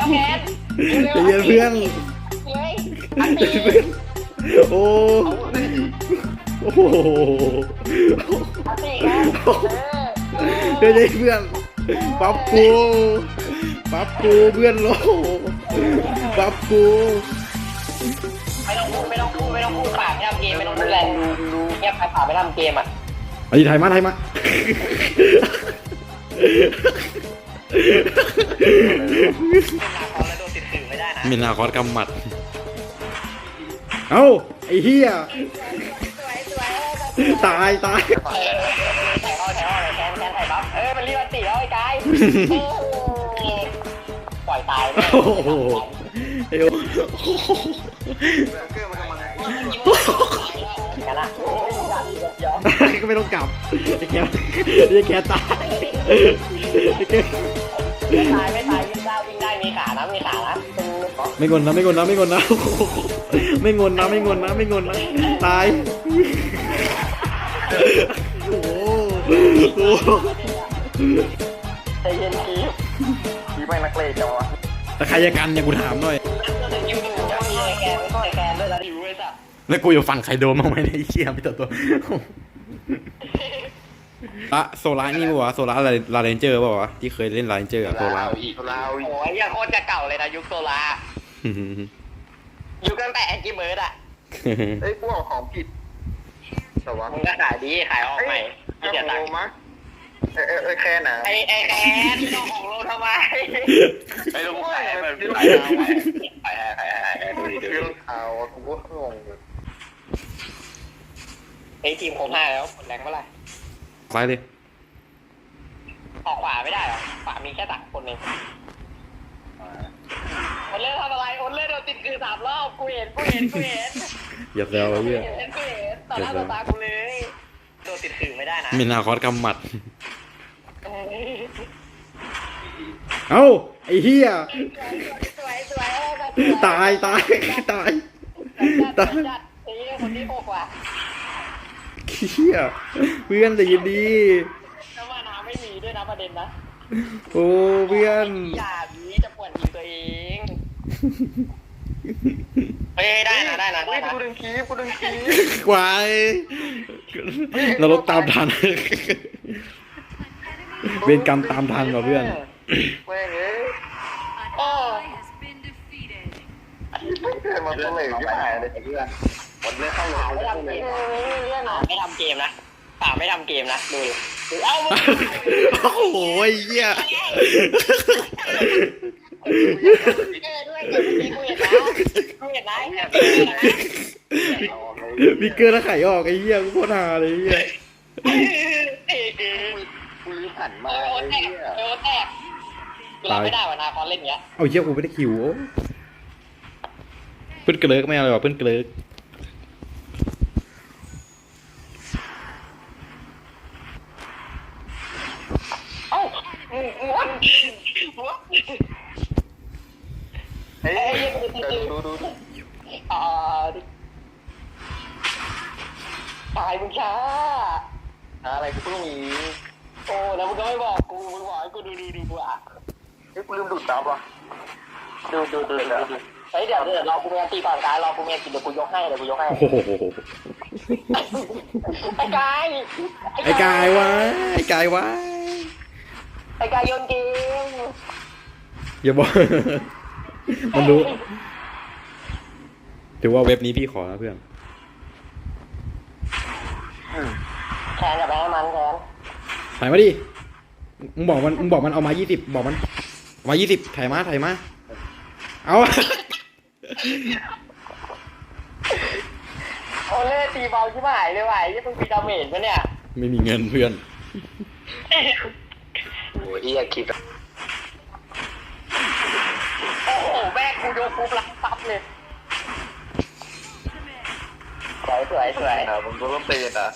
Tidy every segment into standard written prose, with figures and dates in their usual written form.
แคนใจเย็นเพื่อนเฮ้ยอันใจตีเย็นเพื่อนโอ้โอ้โหอันตีกันใจเย็นเพื่อนปั๊บกูเพื่อนโลปั๊บกูไม่ต้องพูดปากไม่ทำเกมไม่ต้องพูดแรงดูเงียบไปปากไม่ทำเกมอ่ะไอ้ไทยมาเวลาเขาแล้วโดนติดสื่อไม่ได้นะมินาคอสกำหมัดเอ้าไอ้เหี้ยตายถ่ายห้อแคนถ่ายบัฟมันรีบอันตีแล้วไอ้กายปล่อยตายโอ้โหไอ้โอ้เกอร์มันกำลังกันละก็ไม่ต้องกลับไอ้แกตายไอ้แกไม่ตายวิ่งได้มีขานะไม่งนนะไม่งนนะตายโอ้โหใจเย็นคีบไม่นักเลงจังวะแต่ใครจะกันเนี่ยกูถามหน่อยยูมีแกนไม่ต้องแกนด้วยแล้วอยู่ไอ้สัสแล้วกูอยู่ฝั่งใครโดนบ้างไหมในเชี่ยพี่ตัวโซล่านี่ปะวะโซล่าลาเรนเจอร์ป่าวะที่เคยเล่นลาเรนเจอร์อะโซล่าโอ้ยยังโคตรจะเก่าเลยนะยุคโซลายุคตั้งแต่แอนกี้เบิร์ดอ่ะเอ้ยพวกของผิดแต่ว่ามึงก็ขายดีขายออกใหม่ไม่เสียตังค์มั้ยแค่ไหนไอ้แคนเจ้าของโลทำไมไอ้ลูกไอ้แบบดูเอากูก็งงไอ้ทีมผม5แล้วแรงเมื่อไหร่ซ้ายเลยออกขวาไม่ได้หรอขวามีแค่3คนเองคนเล่นทำอะไรคนเล่นโดนติดคือ3 รอบกูเห็นอย่าแซวไอ้เหี้ยต่อหน้าต่อตากูเลยโดนติดคือไม่ได้นะมินาคอสกำหมัดเอ้าไอ้เหี้ยตายคนที่6ว่ะเหี้ยเพื่อนแต่ยินดีแล้วว่าน้ำไม่มีด้วยนะประเด็นนะโอ้เพื่อนอย่านี้จะปวดทีตัวเองเฮ้ยได้นะกูดึงคีบกวายนรกตามทันเวรกรรมตามทันว่ะเพื่อนแม่งเอ้ยโอ้มันต้องเหลวที่หายเลยเพื่อนวันนี้เข้าเลยไม่ทำเกมนะป่าไม่ทำเกมนะดูเอ้าโอ้โหเหี้ยด้วยเกมนี้กูเห็นนะมีเกลือแล้วไข่ออกไอ้เหี้ยกูโคตรฮาเลยไอ้เหี้ยกูรีบหันมาโอ้แตกกูรับไม่ได้ว่ะนาคอนเล่นเงี้ยเอาเหี้ยกูไม่ได้คิวเพื่อนเกลือไม่เอาเลยว่ะเพื่อนเกลือเอ้าเฮ้ยดูตายมึงช้าอะไรกูเพิ่งมีโอ้แล้วมึงก็ไม่บอกกูมึงบอกให้กูดูอ่ะเฮ้ยกูลืมดูดซับว่ะดูเฮ้ยเดี๋ยวรอกูเมียตีก่อนการรอกูเมียกินเดี๋ยวกูยกให้โอ้โหไอ้กายไอ้กายวะไอ้กายวะไอ้กายโยนเกมอย่าบอกมันรู้ถือว่าเว็บนี้พี่ขอนะเพื่อนแคนจะไปให้มันแคนถ่ายมาดิมึงบอกมันเอามา20บอกมันเอามา20ถ่ายมาเอาโอเล่ตีเบาชิบหายเลยว่ะยี่มึงมีดาเมจปะเนี่ยไม่มีเงินเพื่อนโอ้ยคิดโอ้โหแม่กูโดนปุ๊บรับซับเลยสวยมึงก็ต้องเตะนะ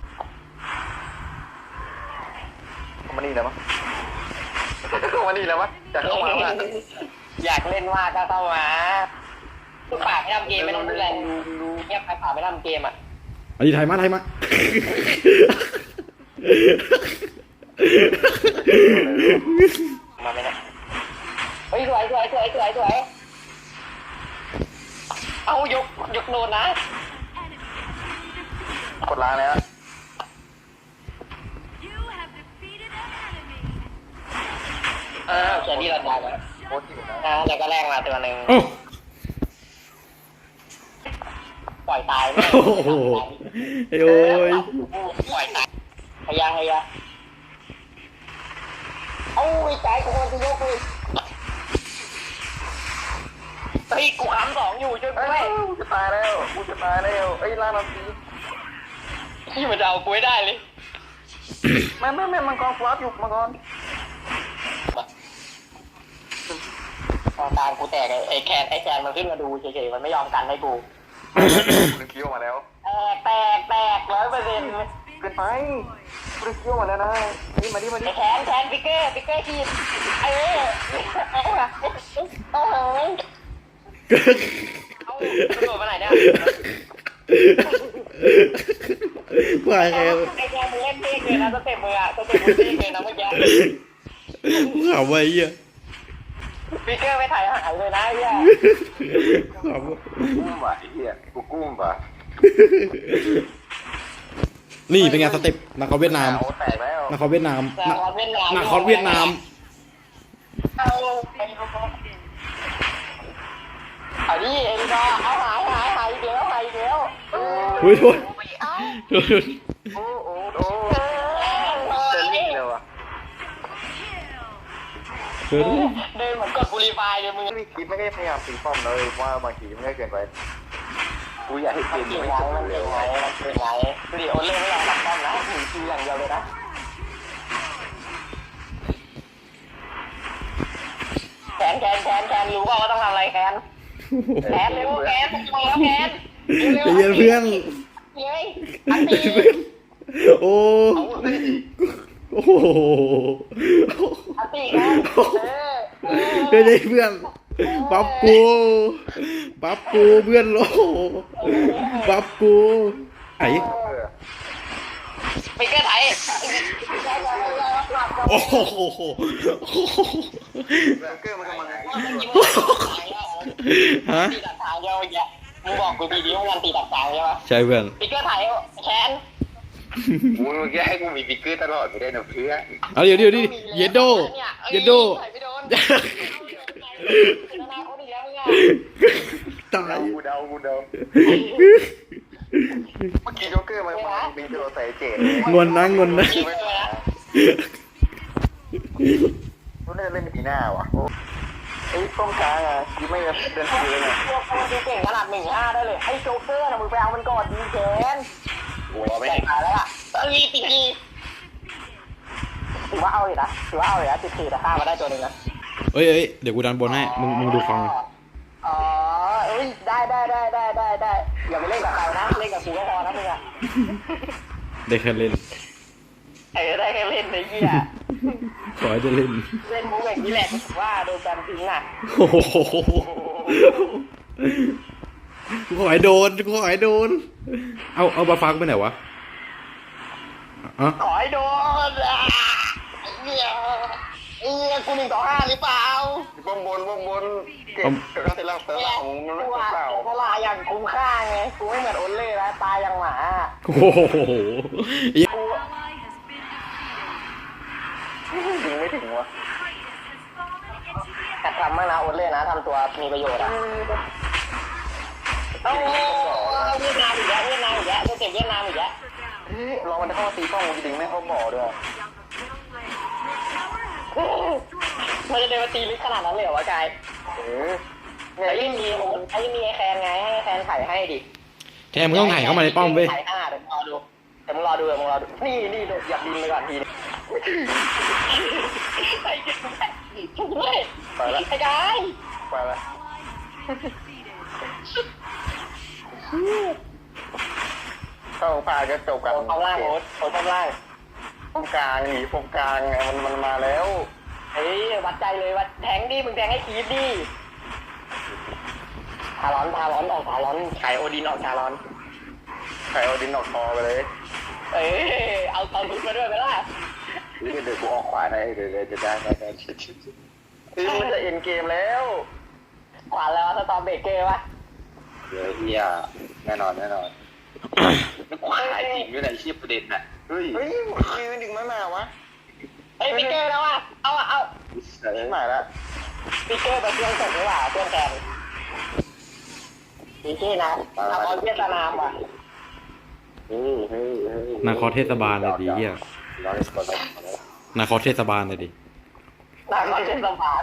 มานี่แล้วมั้งมานี่แล้วมั้งจะเข้ามาแล้วอยากเล่นมากก็เข้ามาทุกปากไม่ทำเกมไม่ต้องดูแลดูเงียบไปปากไม่ทำเกมอ่ะอันนี้ไทยมามาไม่ได้เฮ้ยสวยเอายกโดนนะกดล้างแล้วแค่นี้เราตายแล้วโคตรหิวนะแล้วก็แรงมาตัวหนึ่งโอ้ปล่อยตายโอ้โหโอ้ยปล่อยตายพยาเอาไอ้ใจกูมันจะยกเลยเฮ้ยกูค้ำ2อยู่ช่วยกูเอ้ด้วยกูจะตายแล้วกูจะตายแล้วเอ้ยล่าน้ำสีที่มันจะเอากูให้ได้เลยไม่มังกรฟลับอยู่มังกรตามกูแตกไอ้แคนมันขึ้นมาดูเฉยๆมันไม่ยอมกันให้กูกูดึงคิ้วมาแล้วแตก100% เกินไปกูดึงคิ้วมาแล้วนะนี่มาดิไอ้แคนปิกเกอร์ขีดเอากระโดดมาไหนเนี่ยว่าไงไอ้แคนมึงเล่นเท่เลยนะสเต็ปมึงอะสเต็ปมึงเท่เลยนะเมื่อกี้กูขำไว้เหี้ยปิกเกอร์ไม่ถ่ายหายเลยนะไอ้เหี้ยขำกุ้มว่ะไอ้เหี้ยกูกุ้มว่ะนี่เป็นไงสเต็ปนักคอเวียดนามโอ้แตกแล้วนักคอเวียดนามแต่คอนเวียดนามนักคอเวียดนามเอาดิเอ็นก็เอาหายอีกแล้วอุ้ยโทษโทษโอ้เซนลี่เลยวะโทษเดินเหมือนกดบุรีไฟเลยมึงไม่คิดไม่ได้พยายามตีป้อมเลยว่าบางทีมันก็เกินไปกูอยากให้เกมเก่งไม่ไงจบมันเร็เก่วงไงดูดิโอเล่ไม่ยอมทำป้อมนะหนีคิวอย่างเดียวเลยนะแคนรู้ว่าต้องทำอะไรแคนเร็วแคนต้องแล้วแคนใจเย็นเพื่อนเฮ้ยอันตีโอ้โอ้โหอันตีแคนเฮ้ยเพื่อนปั๊บกูเพื่อนโลปั๊บกูไอ้ไปเกิดไทยโอ้โหเกอร์มันกำลังฮะตีดักทางเยอะแยะมึงบอกกูดีๆว่ามันตีดักทางใช่ปะใช่เพื่อนปิกเกอร์ไทยแคนมึงแกให้กูมีบิ๊กเกอร์ตลอดไม่ได้นะเพื่อนเอาเดี๋ยวดิเยดโดไม่โดนนาคนอีกแล้วมึงอ่ะตายกูเดาเมื่อกี้โจ๊กเกอร์มันบินจะโดนใส่เจ็ดงอนนะยิงไปเลยนะกูน่าจะเล่นปีหน้าว่ะไอ้ป้องกลางอ่ะกูไม่เดินทีเลยเนี่ยพวกมันดูเก่งขนาด1-5ได้เลยไอ้โจ๊กเกอร์นะมึงไปเอามันก่อนดีแคนหัวไม่ใส่ขาแล้วอ่ะตีถือว่าเอาอยู่นะ14แต่ฆ่ามาได้ตัวหนึ่งนะเอ้ยเดี๋ยวกูดันบนให้มึงดูฟังอ๋อเอ้ยได้อย่าไปเล่นกับใครนะเล่นกับกูก็พอนะมึงอ่ะได้แค่เล่นได้แค่เล่นในเหี้ยขอให้ได้เล่นเล่นมุกอย่างนี้แหละว่าโดนการทิ้งอ่ะโอ้โหกูขอให้โดนเอาบาฟังไปไหนวะอ่ะขอให้โดนเหี้ยกู1-5หรือเปล่าบ้องบนเก็บเสร็จแล้วเสร็จแล้วของมันไม่กูเปล่าเพราะลาอย่างคุ้มค่าไงกูไม่เหมือนโอเล่แล้วตายอย่างหมาโอ้โหกูยิงไม่ถึงวะแต่ทำมากนะโอเล่นะทำตัวมีประโยชน์อ่ะโอ้เวียดนามอีกแล้วสเต็ปเวียดนามอีกแล้วลองมันเข้าตีป้องจริงไม่เข้าบ่อด้วยมันจะเดินมาตีลึกขนาดนั้นเลยเหรอวะกาย ไอ้มีไอ้แคนไงให้แคนไถ่ให้ดิแทนมึงต้องถ่ายเข้ามาในป้อมเว้ยไถ่5เดี๋ยวมึงรอดูนี่อยากบินไปก่อนทีไอ้เก่งช่วยไอ้กายไปละเข้าพาจะจบกันโอ้ล่างโอ้ทำล่างป้องกลางหนีป้องกลางไงมันมาแล้วเฮ้ยวัดใจเลยวัดแทงดิมึงแทงให้คีดดิทารอนออกทารอนไข่โอดินออกทารอนใครเอาดินออกคอไปเลยเอ้ยเอาลุกมาด้วยไปล่ะเดี๋ยวกูออกขวาได้เดี๋ยวจะได้มันจะเอ็นเกมแล้วขวานแล้วสตอมเบเกอร์วะเดี๋ยวเฮียแน่นอนไม่กูขายจริงด้วยนะไอ้เชี่ยประเด็นน่ะเฮ้ยไม่ดึงไม่มาวะเฮ้ยปิกเกอร์แล้วอ่ะเอาชิบหายละปิกเกอร์ไปเครื่องส่งดีกว่าเครื่องแกนปิกเกอร์นะเอาเอาเวียดนามว่ะนาคอเทศบาลเลยดิเฮียร้อยกว่าแล้วนาคอเทศบาลเลยดินามเทศบาล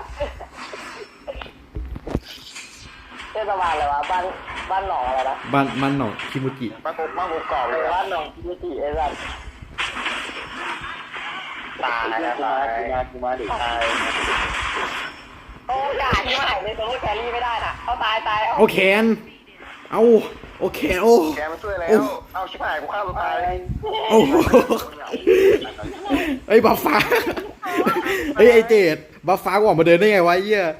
เทศบาลอะไรวะบ้านหนองอะไรนะบ้านหนองคิมุจิมาปุกกรอบเลยบ้านหนองพิจิไอ้สัสตายนะกูมาดิตายโอ้กาที่มาหายในโซโล่แครี่ไม่ได้น่ะเอาตายเอาแขนเอาโอเคโอ้แกมาช่วยแล้วเอาชิบหายกูฆ่าตัวตายโอ้โหเฮ้ยบัฟฟ้าเฮ้ยไอเจดบัฟฟ้ากูออกมาเดินได้ไงวะไอ้เหี้ย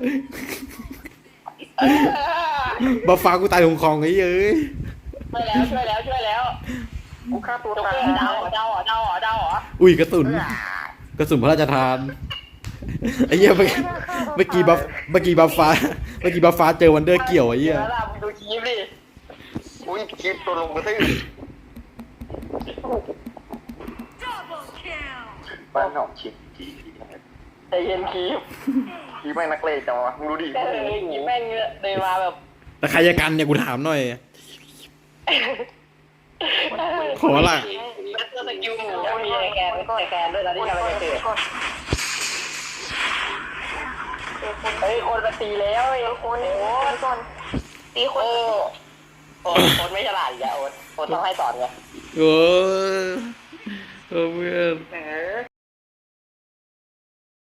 บัฟฟ้ากูตายหงคองไอ้เหี้ยเอ้ยช่วยแล้วกูฆ่าตัวตัวตายเดาเหรออุ้ยกระสุนพระราชทานไอ้เหี้ยเมื่อกี้บัฟฟ้าเจอวันเดอร์เกี่ยวไอ้เหี้ยแล้วล่ะมึงดูคลิปดิอุ้ยคลิปตัวลงกระทืบบ้านหนองชิมจีใจเย็นคลิปคลิปไม่นักเลงจังวะมึงดูดิคลิปแม่งเดินมาแบบแต่ใครจะกันเนี่ยกูถามหน่อย ขอละแบทเตอร์สกิลหมูมีไอแกนด้วยนะที่ทำให้เกิดเฮ้ยคนมาตีแล้วไอ้คนตีคนโอนไม่ฉลาดอีกแล้วโอนต้องให้สอนไงเออเพื่อน